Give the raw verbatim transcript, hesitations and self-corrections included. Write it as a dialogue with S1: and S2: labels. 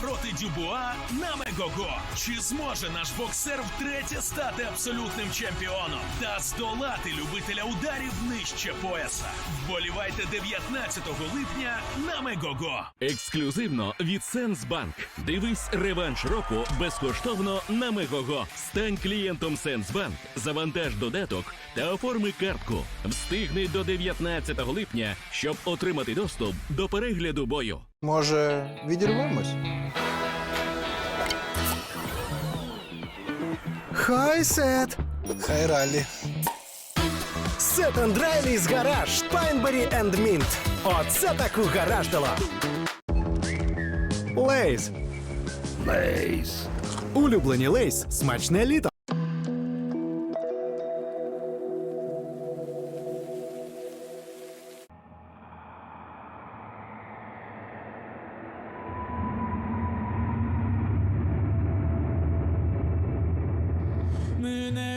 S1: проти Дюбуа на Мегого. Чи зможе наш боксер втретє стати абсолютним чемпіоном та здолати любителя ударів нижче пояса? Вболівайте дев'ятнадцятого липня на Мегого.
S2: Ексклюзивно від Сенсбанк. Дивись реванш року безкоштовно на Мегого. Стань клієнтом Сенсбанк, завантаж додаток та оформи картку. Встигни до дев'ятнадцятого липня, щоб отримати доступ до перегляду бою.
S3: Може, відірвемось?
S4: Хай Сет!
S3: Хай ралі.
S4: Сет енд Райлі's гараж Пайнбері енд Мінт. Оце таку гараж дала. Лейс. Лейс. Улюблені Лейс. Смачне літо.
S5: Мене